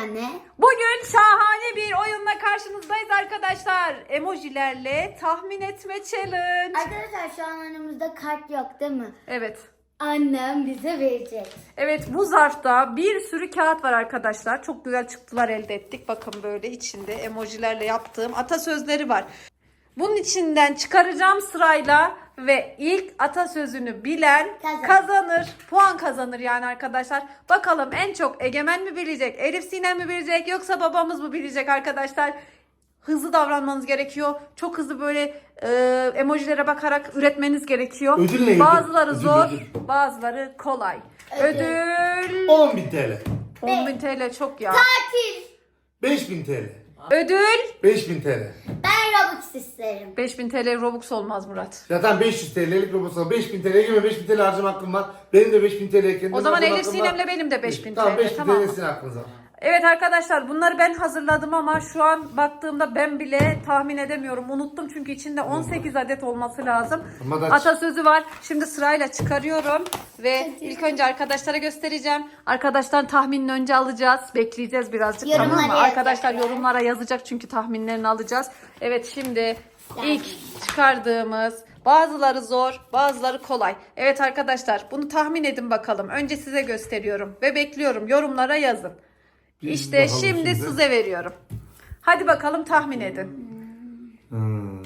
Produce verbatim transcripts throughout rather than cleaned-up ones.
anne. Bugün şahane bir oyunla karşınızdayız arkadaşlar. Emojilerle tahmin etme challenge. Arkadaşlar şu an önümüzde kart yok değil mi? Evet. Annem bize verecek. Evet, bu zarfta bir sürü kağıt var arkadaşlar. Çok güzel çıktılar elde ettik. Bakın böyle içinde emojilerle yaptığım atasözleri var. Bunun içinden çıkaracağım sırayla ve ilk atasözünü bilen Kazanır. kazanır. Puan kazanır yani arkadaşlar. Bakalım en çok Egemen mi bilecek, Elif Sinem mi bilecek yoksa babamız mı bilecek arkadaşlar? Hızlı davranmanız gerekiyor. Çok hızlı böyle e, emojilere bakarak üretmeniz gerekiyor. Ödül ne? Bazıları Ödül, zor, ödül. bazıları kolay. Ödül. Ödül on bin T L. on bin T L çok ya. Tatil. beş bin T L. Ödül beş bin T L. Ben Robux isterim. beş bin T L Robux olmaz Murat. Zaten beş yüz T L'lik Robux'a beş bin T L'ye girme, beş bin T L harcama hakkım var. Benim de beş bin T L'ye kendim O zaman harcama Elif hakkım var. Sinem'le benim de beş bin Tamam, T L, beş bin tamam mı? T L'sin aklınıza. Evet arkadaşlar, bunları ben hazırladım ama şu an baktığımda ben bile tahmin edemiyorum. Unuttum çünkü içinde on sekiz adet olması lazım. Ama da- Atasözü var. Şimdi sırayla çıkarıyorum ve ilk önce arkadaşlara göstereceğim. Arkadaşlar tahminini önce alacağız. Bekleyeceğiz birazcık, Yorumlara tamam mı? yazacaklar. Arkadaşlar yorumlara yazacak çünkü tahminlerini alacağız. Evet, şimdi ilk çıkardığımız, bazıları zor, bazıları kolay. Evet arkadaşlar, bunu tahmin edin bakalım. Önce size gösteriyorum ve bekliyorum. Yorumlara yazın. Bir İşte bakalım şimdi size veriyorum. Hadi bakalım tahmin edin. Hmm.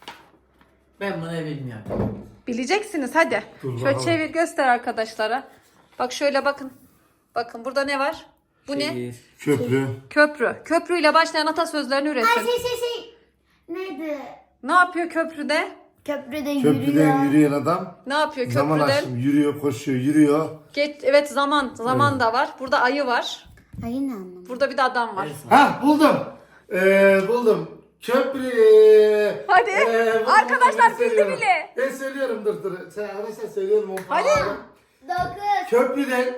Ben bunu bilmiyorum. Bileceksiniz hadi. Dur Şöyle bakalım. çevir, göster arkadaşlara. Bak şöyle bakın. Bakın burada ne var? Bu ne? Şehir. Köprü. Köprü. Köprüyle başlayan atasözlerini Ay üretin. şey şey şey. Neydi? Ne yapıyor köprüde? Köprüde yürüyor. Köprüden yürüyen adam. Ne yapıyor Zaman köprüden? aşımı yürüyor, koşuyor, yürüyor. Geç, evet zaman. Zaman da var. Burada ayı var. Ay yine anlamadım. Burada bir de adam var. Ha buldum. Ee, buldum. Köprü. Hadi. Ee, buldum, Arkadaşlar ben bildi söylüyorum. bile. Ben söylüyorum, dur dur. Sen arkadaşlar söylüyorum. o Hadi. falan. Dokuz. Köprüden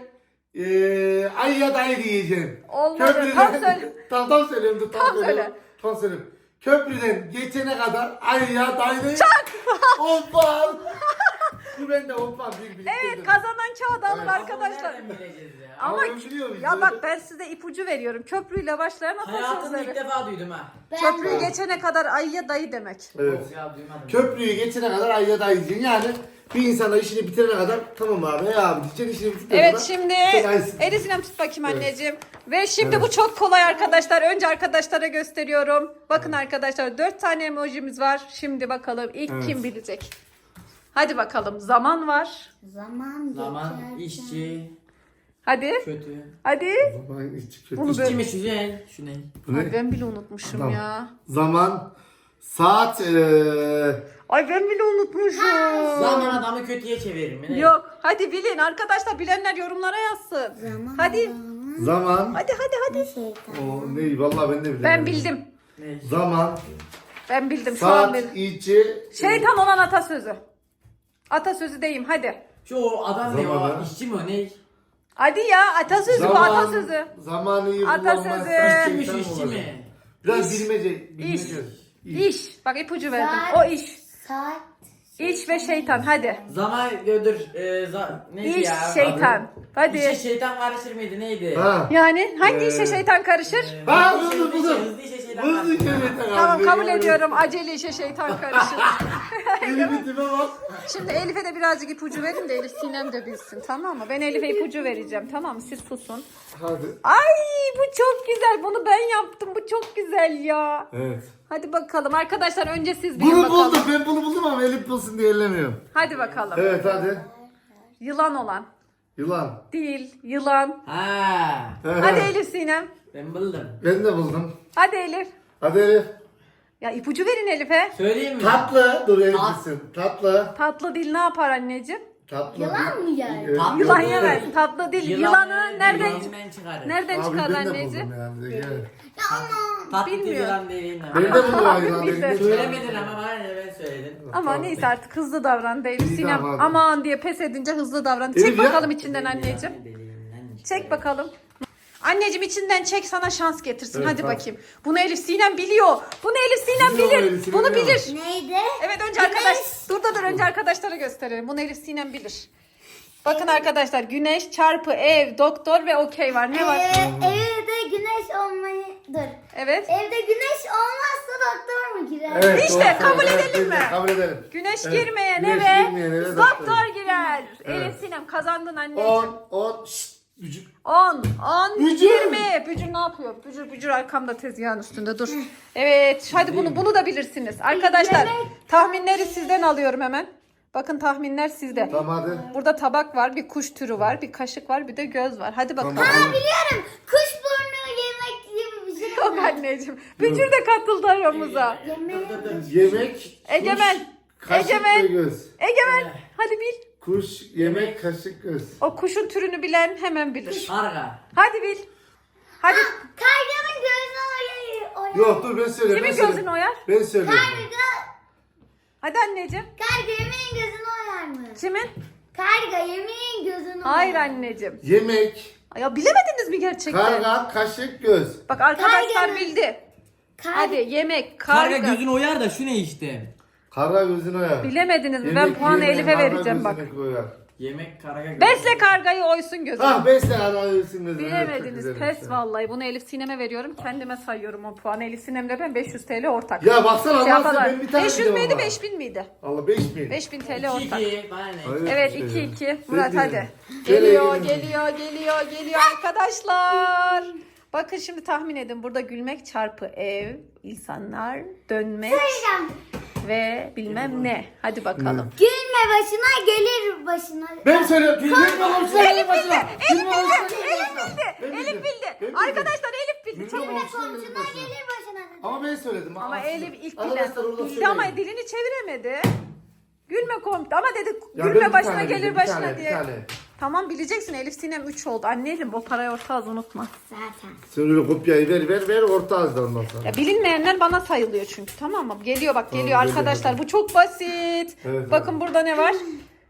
ee, ayıya dayı diyeceğim. Olmadı. Tam söyle. Tam, tam söylüyorum. Dur, tam, Tam söylüyorum. söyle. Tam söylüyorum. Köprüden geçene kadar ayıya dayı. Çak. Hoppa. Bu bende hoppa. Bir, bir, Evet, kazanan kağıdı alın Evet. arkadaşlar. Nereden bileceğiz ya? Ama Ama ben biliyor muyum? ya bak, ben size ipucu veriyorum. Köprüyle başlayan Hayatımda ilk atasözleri. defa duydum ha. Ben Köprüyü de. geçene kadar ayıya dayı demek. Evet. Yok ya duymadım. Köprüyü geçene kadar ayıya dayı diyeceksin. Yani bir insana işini bitirene kadar tamam abi ya abi diyeceksin, işini bitirene Evet, kadar. şimdi sen ayısın. Elisinem tut bakayım Evet. anneciğim. Ve şimdi Evet. bu çok kolay arkadaşlar. Önce arkadaşlara gösteriyorum. Bakın arkadaşlar, dört tane emojimiz var. Şimdi bakalım ilk Evet. kim bilecek? Hadi bakalım. Zaman var. Zaman Zaman, geçerken- işçi, Hadi. kötü. Hadi. Zaman, işçi, kötü. Bunu İşçi böyle- mi şu ne? Şu ne? Bu ne? Ay, ben bile unutmuşum Tamam. ya. Zaman, saat, eee Ay, ben bile unutmuşum. Zaman adamı kötüye çevirir mi? Ne? Yok. Hadi bilin arkadaşlar. Bilenler yorumlara yazsın. Zaman. Hadi. Zaman. zaman. Hadi hadi hadi. Şeytan. O ne? Vallahi ben de bilemedim. Ben bildim. Ne? Zaman, Ben bildim. Şu an saat, bildim. içi. Şeytan olan atasözü. Atasözü deyim hadi. Şu o adam ne Zaman o? ha? İşçi mi o ne? Hadi ya, atasözü bu atasözü. Zamanı iyi Atasözü. kullanmazsan İşçi mi şu şeytan işçi olacak. mi? Biraz İş. bilmece. bilmece. İş. Bak, ipucu verdim. Saat. O iş. Saat. İş ve şeytan hadi. Zaman gördür. E, za, neydi İş, ya? şeytan. Hadi. İşe şeytan karışır mıydı neydi? Ha. Yani hangi Ee, işe şeytan karışır? E, Ha, hızlı buldum, işe- buldum. Hızlı işe şeytan Hızlı karışır. şeytan. Tamam, kabul ediyorum. Acele işe şeytan karışır. Elimin tipe bak. Şimdi Elif'e de birazcık ipucu verin de Elif Sinem de bilsin, tamam mı? Ben Elif'e ipucu vereceğim, tamam mı? Siz susun. Hadi. Ay, bu çok güzel. Bunu ben yaptım. Bu çok güzel ya. Evet. Hadi bakalım. Arkadaşlar önce siz bilin Bunu bakalım. buldum. Ben bunu buldum ama Elif bulsun diye ellemiyorum. Hadi bakalım. Evet hadi. Yılan olan. Yılan. Değil. Yılan. Ha. Hadi Elif Sinem. Ben buldum. Ben de buldum. Hadi Elif. Hadi Elif. Ya ipucu verin Elif'e. Söyleyeyim mi? Tatlı. Dur Elif Tat- bilsin. Tatlı. Tatlı dil ne yapar anneciğim? Tatlı. Yılan mı yer? Evet. Tatlı. Yılan Evet. yemez. Tatlı dil. Yılanı Yılanı nereden dilinden çıkarır. nereden Abi çıkar ben de anneciğim? buldum yani. de gel. Tatlı Bilmiyorum. yılan deliğinden. Ben de buldum abi. yılan Bildi. elinde. Söylemedin ama bana ne ben söyledim. Ama neyse, artık hızlı davran Elif İyi, Sinem. tamam. Aman diye pes edince hızlı davran. Elif Çek ya. bakalım içinden anneciğim. Deliğinden Çek bakalım. Anneciğim içinden çek, sana şans getirsin. Evet, Hadi hadi. bakayım. Bunu Elif Sinem biliyor. Bunu Elif Sinem Biliyor mu bilir. Elif Sinem, Bunu biliyor bilir. Neydi? Evet, önce arkadaş. Dur da dur önce arkadaşlara gösterelim. Bunu Elif Sinem bilir. Bakın arkadaşlar, güneş çarpı ev, doktor ve okey var. Ne var? Ee, evde güneş olmayı... Dur. Evet. Evde güneş olmazsa doktor mu girer? Evet, İşte, doğru kabul söylüyorsun. edelim Evet, mi? Kabul edelim. Güneş Evet, girmeyen güneş eve girmeyen eve doktor doktor. girer. Evet. Elif Sinem kazandın anneciğim. on, on, şşt, gücü. on, on, Bücür. yirmi. Bücür ne yapıyor? Bücür bücür arkamda tezgahın üstünde dur. Evet hadi bunu bunu da bilirsiniz. Arkadaşlar Yemek. tahminleri sizden alıyorum hemen. Bakın tahminler sizde. Tamam hadi. Burada tabak var, bir kuş türü var, bir kaşık var, bir de göz var. Hadi bakalım. Tamam. Biliyorum. Kuş burnu yemek gibi bir şey. Yok anneciğim. Bücür de katıldı aramıza. Yemek. Yemek, Egemen. kuş, kaşık Egemen. ve göz. Egemen hadi bil. Kuş, yemek, kaşık, göz. O kuşun türünü bilen hemen bilir. Karga. Hadi bil. Hadi. Karganın gözünü oyar. Yok dur ben söyleyeyim. Kimin ben gözünü söyleyeyim. oyar? Ben söyleyeyim. Karga, Hadi anneciğim. karga yemeğin gözünü oyar mı? Kimin? Karga yemeğin gözünü oyar. Hayır anneciğim. Yemek, Ya bilemediniz mi gerçekten? karga, kaşık, göz. Bak arkadaşlar Karganın- bildi. Kar- Hadi yemek, Karga karga. gözünü oyar da şu ne işte? Karga gözünü oyar. Bilemediniz mi? Ben Yemek puanı yemeyen Elif'e karga vereceğim bak. gözünü oyar. Yemek karga gözü. Besle kargayı oysun gözünü. Ah besle arayıyorsun gözünü. Bilemediniz. Evet, çok Pes güzel. vallahi. Bunu Elif Sinem'e veriyorum. Kendime sayıyorum o puanı. Elif Sinem'le ben beş yüz T L ortak. Ya baksana Şey Allah aşkına yaparlar. ben bir tane beş yüz biliyorum müydü ama. beş bin miydi? Allah beş bin. beş bin T L İki ortak. iki. Bana ne? Hayır, Evet şey iki ya. iki. Ben Murat biliyorum. hadi. Gel Geliyor Egemen. geliyor geliyor geliyor arkadaşlar. Bakın şimdi tahmin edin. Burada gülmek çarpı ev, insanlar, dönmek Söyleyeceğim. ve bilmem ne. Hadi bakalım. Gülme başına gelir başına. Ben söylüyorum. Gülme komşuna Elif gelir başına. bildi. Gülme Elif komşuna bildi. gelir Elif başına. bildi. Ben Elif bildim. bildi. Ben bildim. Arkadaşlar Elif bildi. Gülme Çabuk. komşuna gelir Komşuna başına. gelir başına. Ama ben söyledim. Ama aslında. Elif ilk bilen Arkadaşlar orada bildi söyleyin. ama dilini çeviremedi. Gülme komut ama dedi Ya ben gülme bir başına tane gelir bildim, bir başına tane, bir diye. tane. Tamam bileceksin Elif Sinem üç oldu. Anneciğim o parayı orta az unutma. Zaten. Sen öyle kopyayı ver ver ver orta ağızda ondan sonra. Ya bilinmeyenler bana sayılıyor çünkü tamam mı? Geliyor bak geliyor Tamam, arkadaşlar. geliyor. Bu çok basit. Evet, Bakın burada ne var?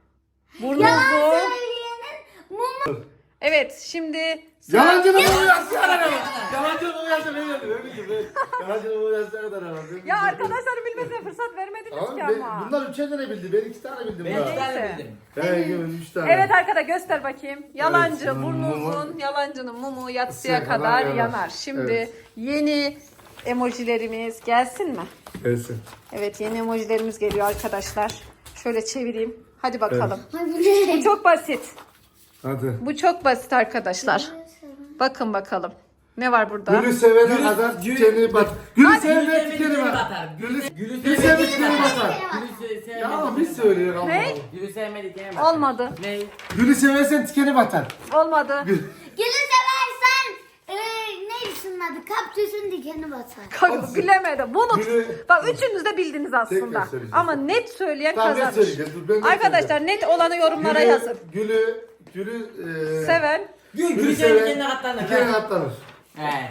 Burnu Yalan uzun. söyleyenin mumu. Evet şimdi Yalancının bu yazdı kadar ama. Yalancının bu yazdı ne yazdı öyle gibi. Yalancının bu yazdı kadar ama. ya arkadaşların bilmesine fırsat vermediniz Abi ki ben, ama. bunlar üçer tane bildi. Ben iki tane bildim. Ben daha. iki tane Neyse. bildim. He Egemen üç tane. Evet arkadaşlar göster bakayım. Yalancı Evet, burnu mumu. uzun, yalancının mumu yatsıya Yatsıya kadar kadar yanar. yanar. Şimdi Evet. yeni emojilerimiz gelsin mi? Gelsin. Evet yeni emojilerimiz geliyor arkadaşlar. Şöyle çevireyim. Hadi bakalım. Ay bu ne? Bu çok basit. Hadi. Bu çok basit arkadaşlar. Bakın bakalım. Ne var burada? Gülü sevene Gülü- kadar gülü- tikeni bat. Gülü Hadi. sevene Gülü tikeni sevene bat. batar. Gülü Gülü Gülü sevene sevene tikeni batar. Gülü se- sevmedi. Ya ama biz söylüyor Allah Ne? Allah. Gülü sevmedi diyemem. batar. Olmadı. Ne? Gülü seversen tikeni batar. Olmadı. Gül. Gülü seversen e, neydi şunun adı? Kaptüsün dikeni batar. Kanka bilemedim. Bunu Gülü- bak üçünüz de bildiniz aslında. söyleyeceğim. Ama net söyleyen Tamam, ben kazanır. söyleyeceğim. Dur, ben de Arkadaşlar söyleyeceğim. net olanı yorumlara Gülü- yazın. Gülü, gülü, e, Seven. Gül Gülü gülü sevmedi seven kendine katlanır. tikeni katlanır. He.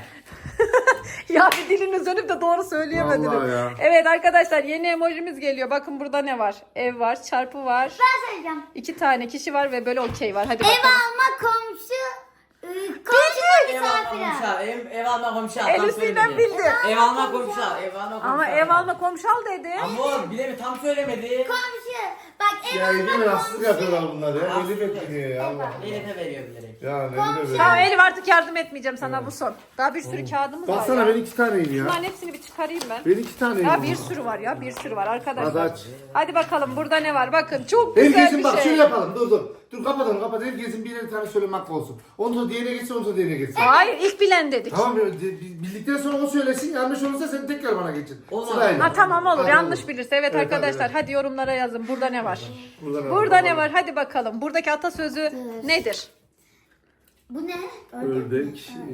Ya bir diliniz dönüp de doğru söyleyemediniz. Vallahi ya. Evet arkadaşlar yeni emojimiz geliyor. Bakın burada ne var? Ev var, çarpı var. Ben söyleyeceğim. İki tane kişi var ve böyle okey var. Hadi Ev bakalım. alma komşu. E, komşu Ev alma misafire. komşu al. Ev, ev alma komşu al. Elif Tam Sinem söylemedi. bildi. Ev alma komşu al. Ev alma komşu Ama al. ev alma komşu al dedi. Ama o bilemi tam söylemedi. Komşu. Bak ev Ya alma Egemen haksızlık komşu. yapıyorlar bunlar ya. Haksızlık. Elif etmiyor ya Allah. Elif'e veriyor bilerek. Ya ne bileyim Tamam ben. Elif artık yardım etmeyeceğim sana bu son. Daha bir sürü kağıdımız var Baksana ya. ben iki taneyim ya. Bunların hepsini bir çıkarayım ben. Ben iki taneyim. Ya bir sürü var ya bir sürü var arkadaşlar. Hadi aç. Hadi bakalım burada ne var bakın çok güzel Herkesin bir bak şey. şöyle yapalım dur dur. Dur kapat onu kapat. Herkesin birer tane söyleme hakkı olsun. Ondan sonra diğerine geçsin ondan sonra diğerine geçsin. Hayır ilk bilen dedik. Tamam ya, di- bi- bildikten sonra o söylesin. Yanlış olursa sen tekrar bana geçin. Olmaz. Sırayla. Ha tamam olur Hadi yanlış olur. bilirse evet, Evet, arkadaşlar hadi, hadi yorumlara yazın burada ne var. Burada ne var? Burada ne var hadi bakalım buradaki atasözü nedir? Bu ne? Ördek, e,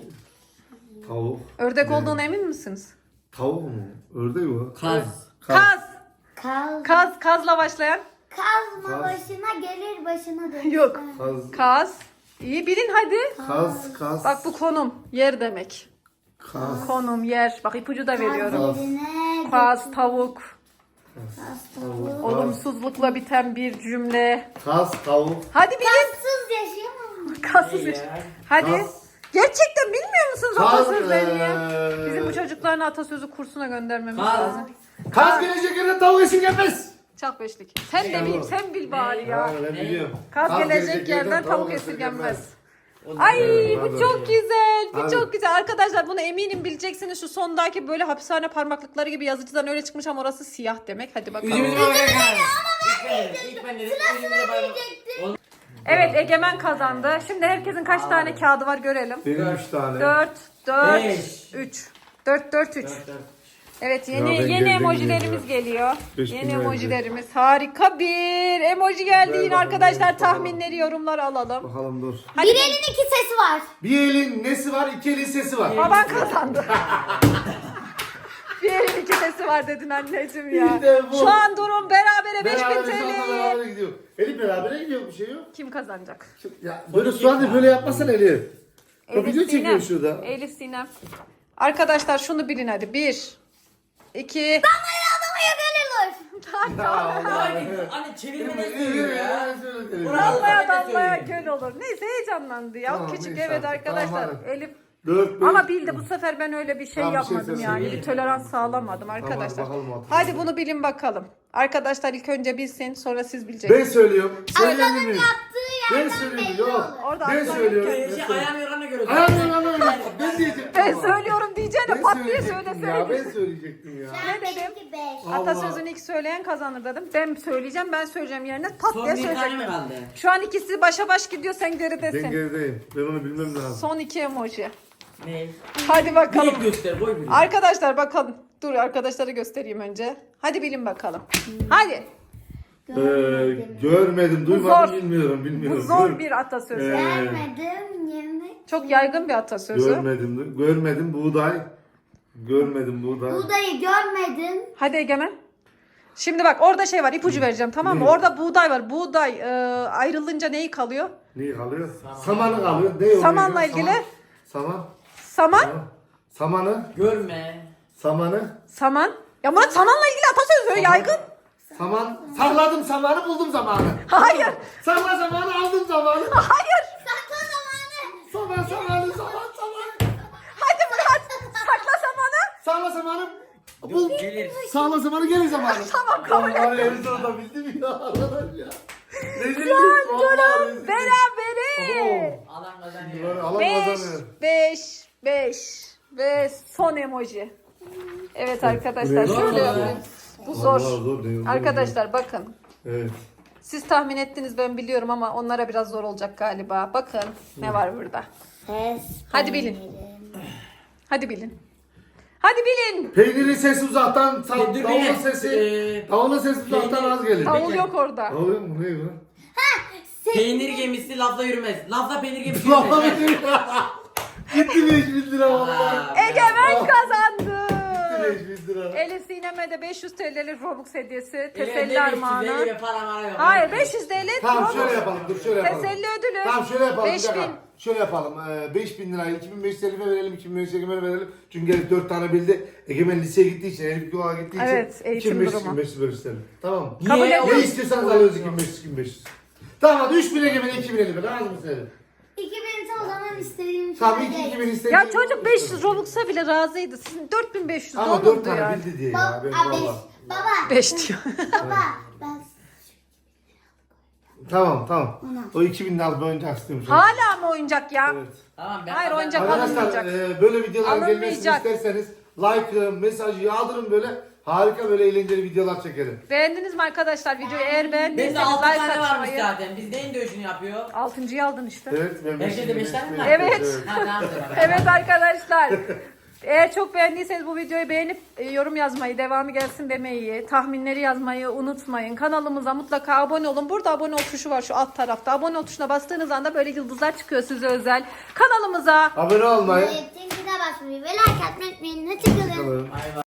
tavuk. Ördek Ne? olduğuna emin misiniz? Tavuk mu? Ördek mi? Kaz. Kaz. Kaz. Kaz kazla başlayan. Kazma Kaz. başına gelir başına dönür. Yok. Kaz, Kaz. İyi bilin hadi. kaz, kaz. Bak bu konum yer demek. Kaz. Konum yer. Bak ipucu da veriyorum. Kaz yerine Kaz tavuk. kaz Tavuk, tavuk. kaz, Olumsuzlukla biten bir cümle. kaz, tavuk. Hadi bilin. Kazsız yaşayamam. Kazsız bir. Ya. Hadi. Kaz. Gerçekten bilmiyor musunuz Kaz, atasözlerini? eee, Bizim bu çocuklarını atasözü kursuna göndermemiz Kaz. lazım. Kaz gelecek yerine tavuk esin gelmez. Çak beşlik. Sen de bil, sen bil bari ya. Ha, ben biliyorum. Kaz gelecek yerden tavuk esirgenmez. Ay Evet, bu hadi. çok güzel. Bu Hadi. çok güzel. Arkadaşlar bunu eminim bileceksiniz. Şu sondaki böyle hapishane parmaklıkları gibi yazıcıdan öyle çıkmış ama orası siyah demek. Hadi bakalım. Üzümüzü bana bırak. İlk ben dedim. İlk ben dedim. Üzümüzü bana bırak. Evet Egemen kazandı. Şimdi herkesin kaç tane kağıdı var görelim. Benim üç tane. dört, dört, Beş. üç. dört, dört, üç. Dört, dört. Evet Ya yeni ben yeni geldim emojilerimiz ya. geliyor. Beş Yeni bin verdi. emojilerimiz. Harika bir emoji geldi Ver yine bakalım, arkadaşlar. ver bakalım. Tahminleri yorumlara alalım. Bakalım dur. Hadi Bir elin iki sesi var. Bir elin nesi var, iki elin sesi var. baban kazandı. Bir elin iki sesi var dedin anneciğim ya. İşte bu. Şu an durum berabere beş bin Beraber şu anda T L'ye. beraber gidiyor. Elif beraber gidiyor, bir şey yok. Kim kazanacak? Ya böyle şu anda böyle yapmasana Elif. O video çekiyor şurada. Elif Sinem. Arkadaşlar şunu bilin hadi. Bir. iki. Adamaya gönül Ya Allah. Anne, anne çevirmeden söylüyor ya. Damlaya damlaya göl olur. Neyse heyecanlandı ya. Tamam, Küçük neyse evet artık. arkadaşlar. Tamam, hadi. Elif Dört, beş. ama bildi bu sefer ben öyle bir şey Tamam, bir şey yapmadım söyle, yani. söyle. Bir tolerans sağlamadım arkadaşlar. hadi bakalım artık. Hadi bunu bilin bakalım. Arkadaşlar ilk önce bilsin sonra siz bileceksiniz. Ben söylüyorum. Söyleyebilir Aslanın miyim? yaptığı Ben yerden söylüyorum. belli Yok. olur. Orada Ben aslan söylüyorum. yok Ben Şey, söylüyorum. ayağını yorana göre. Ayağım yalan öyle. Ben diyecektim. Ben ama. söylüyorum diyeceğine Ben pat diye söyle söyleyecektim ya. söyle. Ben söyleyecektim ya. Ne dedim? Benimki beş. Allah. Atasözünü ilk söyleyen kazanır dedim. Ben söyleyeceğim ben söyleyeceğim yerine pat Son diye bir tane mi söyleyecektim. kaldı? Şu an ikisi başa baş gidiyor sen Ben geridesin. gerideyim. Ben onu bilmem lazım. Son iki emoji. Ne? Hadi bakalım. Büyük göster, boy büyük. Arkadaşlar bakalım. Dur arkadaşlara göstereyim önce. Hadi bilin bakalım. Hadi. Ee, görmedim, zor. duymadım, bilmiyorum, Bu bilmiyorum. zor Gör- bir atasözü. Ee, Vermedim yemek. Çok yaygın bir atasözü. Görmedim, görmedim buğday. Görmedim buğday. Buğdayı görmedim. Hadi Egemen. Şimdi bak orada şey var ipucu vereceğim tamam mı? Ne? Orada buğday var. Buğday e, ayrılınca neyi kalıyor? Neyi kalıyor? Samanı kalıyor. Ne Samanla oluyor? ilgili? Saman. Saman. Saman. Samanı. Görme. Samanı. Saman. Ya Murat samanla ilgili atasözü yaygın. Saman. Sakladım samanı, buldum zamanı. Hayır. Sakla zamanı, aldım zamanı. Hayır. Sakla zamanı. Saman zamanı, saman zamanı. Hadi Murat. Sakla samanı. Sakla zamanı. Bul. Gelir. Sakla zamanı, gelir zamanı. Tamam, kabul ettim. Vallahi en sonunda bildim ya. Arkadaş ya. Rezillik. Şu an vallahi durum rezillik. berabere. Alan Böyle kazanıyor. alan Beş, kazanıyor. beş, beş ve son emoji. Evet arkadaşlar Zor şöyle mu? yapayım. Bu zor. Vallahi zor değil, zor Arkadaşlar bakın. Evet. Siz tahmin ettiniz ben biliyorum ama onlara biraz zor olacak galiba. Bakın ne var burada. Ses. Hadi bilin. Hadi bilin. Hadi bilin. Peynirin sesi uzaktan, Dur, sa- bir davulun ne? sesi, Ee, davulun sesi uzaktan peynir- az gelir. Davul yok orada. Ne oluyor mu? Ne bu? Peynir gemisi lafla yürümez. Lafla peynir gemisi Vallahi yürümez. Gitti beş bin lira vallahi. Aa, Egemen kazandı. Gitti beş bin lira. Elif Sinem'e de beş yüz T L'lik Robux hediyesi. Elime Teselli de armağanı. elime para mara yok. Hayır beş yüz T L Tamam Robux. şöyle yapalım, dur şöyle yapalım. Teselli ödülü. Tamam şöyle yapalım, beş bir dakika. bin. Şöyle yapalım, ee, beş bin lirayı iki bin beş yüz Elif'e verelim, iki bin beş yüz Egemen'e verelim. Çünkü Elif dört tane bildi. Egemen liseye gittiği için, Elif Güval'a gittiği için. Evet, eğitim iki bin beş yüz, durumu. iki bin beş yüz verirsin. Tamam mı? Kabul Niye? ediyorum. Ne istiyorsanız alıyoruz iki bin beş yüz, iki bin beş yüz. Tamam hadi üç bin Egemen'e, iki bin Elif'e. Lazım mı Elif? iki bin o zaman istediğim Tamam şey iki değil. iki bin istediğim. Ya çocuk beş yüz Robux'a bile razıydı. Sizin dört bin beş yüz Ama dört olurdu tane yani. bildi diye ya. Baba, Ben a, beş. valla. Baba. beş diyor. Baba. Ben Tamam tamam. Ona. O iki bin lira oyuncak istiyorum. Hala mı oyuncak ya? Evet. Tamam ben Hayır, oyuncak Arkadaşlar alınmayacak. e, böyle videolar gelmesini Alınmayacak. isterseniz like, e, mesajı yağdırın böyle. Harika böyle eğlenceli videolar çekelim. Beğendiniz mi arkadaşlar videoyu? Eğer Bende beğendiyseniz altı like tane varmış atmayı. zaten. Biz neyin dövüşünü yapıyor? Altıncıyı aldın işte. Evet. Ben Herkese beş- beş tane mi beş- var? Evet. Ha tamam tamam. Evet arkadaşlar. Eğer çok beğendiyseniz bu videoyu beğenip e, yorum yazmayı, devamı gelsin demeyi, tahminleri yazmayı unutmayın. Kanalımıza mutlaka abone olun. Burada abone ol tuşu var şu alt tarafta. Abone ol tuşuna bastığınız anda böyle yıldızlar çıkıyor size özel. Kanalımıza Abone olmayı. Zeytin basmayı ve like atmayı unutmayın. Hoşçakalın. Bakalım. Bay bay.